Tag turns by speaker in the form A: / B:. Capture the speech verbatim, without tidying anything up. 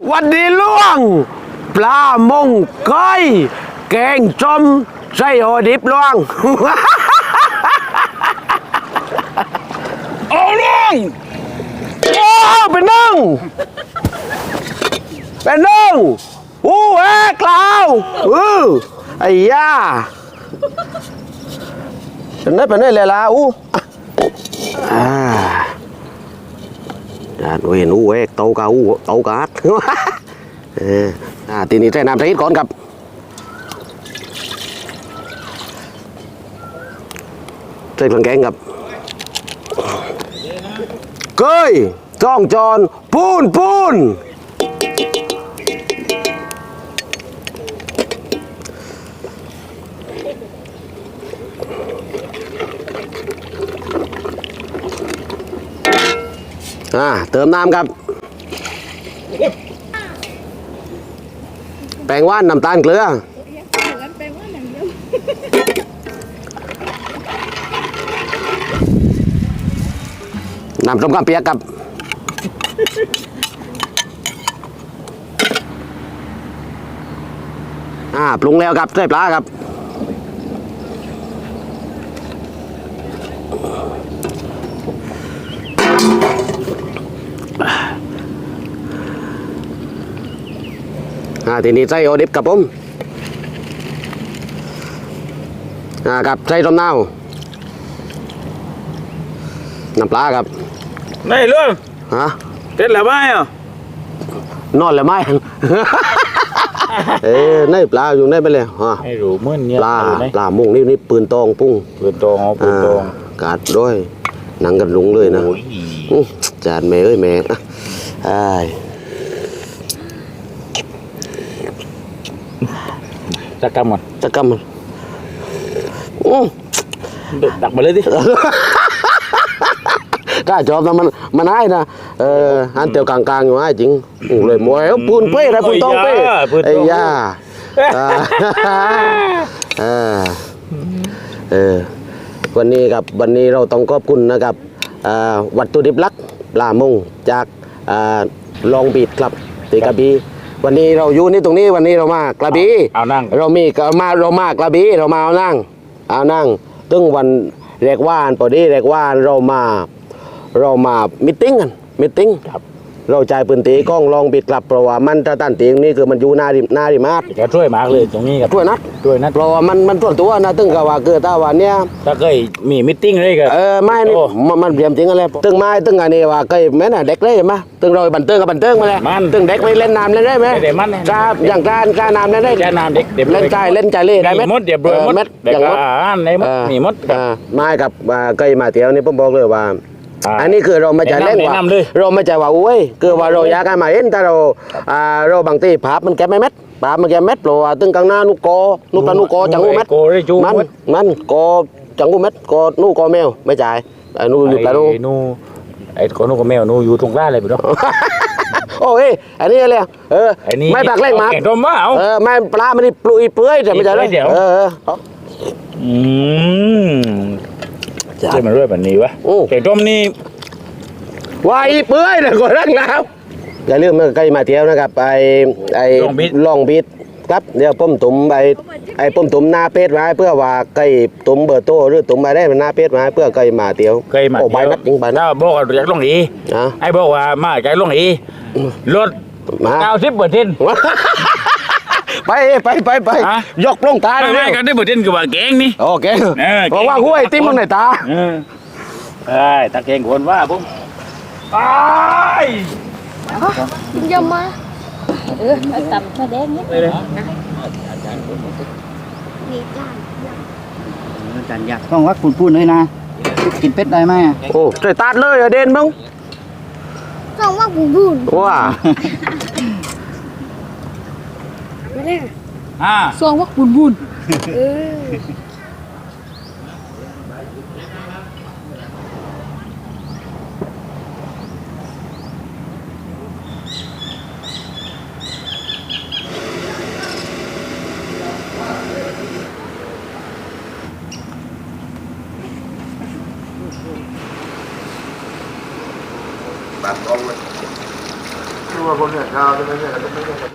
A: วันนี้ล่วงปลามงก้อยแกงจมไส้โอดิบล่วง
B: โอ้ล่วง
A: โอ้เป็นนึ่งเป็นนึ่งอู้เอ๊กลาวอือไอ้ย่าเป็นได้เป็นได้เลยล่ะอู้อ่าอ่าเห็นอู้เอ๊กโตกาอู้โตกาดเอออ่าทีนี้ใส่น้ำใส่ก่อนครับใส่เครื่องแกงครับเกยจ้องจอนปูนปูนอ่าเติมน้ำครับแป้งว่านน้ำตาลเกลือน้ำต้มข้าวเปียกครับอ่าปรุงแล้วครับใส่ปลาครับอ่าทีนี้ใส่โอดิบกับผมอ่าครับใส่ต้มน้ำน้ำปลาครับ
B: ไม่เรื่อง
A: ฮะ
B: เต็ดแล้วไหมอ่ะ
A: นอนแล้วไหม เอ้ยในปลาอยู่ในไปเลยฮะ
B: ไม่รู้เหมือนเนี่ย
A: ปลาปลามุงนี่นี่ปืนตองปุ้ง
B: ปืนตองเอาปืนตอง
A: กาดด้วยหนังกันลุงเลยนะจานแม่เอ้ยแม่ไอ้
B: จักกำมัน
A: จักกำมัน
B: ดักมาเลยดิ
A: กล้าจอบนะมันมันให้นะเอออันเตียวกลางๆอยู่ให้จริงเลยมวยปูนเป้อะไรปูนตองเป้ไอ้ย่าเออเออวันนี้ครับวันนี้เราต้องขอบคุณนะครับวัตถุดิบหลักปลามงจากลองบีดครับตีกระบี่วันนี้เราอยู่นี่ตรงนี้วันนี้เรามากระบี่
B: เอานั่ง
A: เรามีมาเรามากระบี่เรามาเอานั่งเอานั่งตึ้งวันแรกว่านพอดีแรกว่านเรามาเรามามิทติ้งกันมิทติ้งครับเราจ่ายปืนตีกล้องลองบิดกลับเพราะว่ามันถ้าตันตีนี่คือมันอยู่หน้าริมหน้าริมาร์
B: แกช่วยมากเลยตรงนี้ครับ
A: ช่วยนัด
B: ช่วยนัด
A: เพราะว่ามันมันส่วนตัวนะตึ้งกับว่าเกิดตาวันเนี้ย
B: ถ้าเคยมีมิทติ้งเลยกัน
A: เออไม่นี่มันมันเปลี่ยนจริงอะไรตึ้งไม้ตึ้งอันนี้ว่าเคยแม่น่ะเด็กเลยไหมตึ้งเราบันเทิงกับบันเทิงมาเลยตึ้งเด็กไม่เล่นน้ำเล่นได้ไหมครับอย่างการการน้ำเล่นได้
B: การน้ำเด็ก
A: เล่นใจเล่นใจเล่ได้ไหม
B: มดเดี๋ยวมด
A: เม็ดอย่างมด
B: ในมดมีมด
A: ไม้กับเคยมาเที่ยวนี่ผมบอกเลยว่าอันนี้คือเราไม่จะเล่นว่าเราไม่จะว่าอุ้ยคือว่าเราอยากให้มาเห็นแต่เราเราบางทีภาพมันแก็บไม่เม็ดภาพมันแก็บเม็ดเพราะว่าตึงกลางหน้านุกโกนุกปลานุกโกจังหูเม็ดมันมันโกจังหูเม็ดโกนุกโกแมวไม่จ่ายไอ้นูอยู่ปลานู
B: นูไอ้โกนุกแมวนูอยู่ตรงกลางเลยพี่น้อง
A: โอ้ยอันนี้อะไรเออไม่ปากเล่งมาเออไม่ปลามันนี่ปลุยเปื่อยแต่ไม่จ่ายเลยเออ
B: อืมใช่มันด้วยแบบนี้วะไก่ต้มนี่
A: วายเปื่อยเลยก่อนรักแล้วอย่าลืมนะใกล้มาเที่ยวนะครับไอไอลองบิดครับเดี๋ยวป้มตุ่มไอไอป้มตุ่มหน้าเป็ดมาเพื่อว่าไก่ตุ่มเบอร์โต้หรือตุ่มมาได้มันหน้าเป็ดมาเพื่อไก่มาเที่ยว
B: ไก่มา
A: โอ้ใบนัดจริงใบนัด
B: บอกว่าอยากลงอีไอ้บอกว่ามาไก่ลงอีรถเก้าสิบเปอร์เซ็นต์
A: ไปไปไปไปยกลงตาเลย
B: ไม่กันได้เปอร์เซ็นต์กับว่าแกงนี่
A: โอเคเพราะว่าห้วยติ้มลงในตา
B: เอ้ยตาแกงคนว่าผมไป
C: ยำมาเออตับชาแดงนี่เลย
D: จานอยากต้องวัดปูนปูนเลยนะกินเป็ดได้ไหม
A: โอ้ใส่ตาเลยเด่นมั้ง
C: ต้องวัดปูนปูน
A: ว้า
C: ไม่ได้อ่าซองวัดปูนปูนเออ
A: ตัดกล้องเลยคือว่าคนเนี่ยข้าวใช่ไหม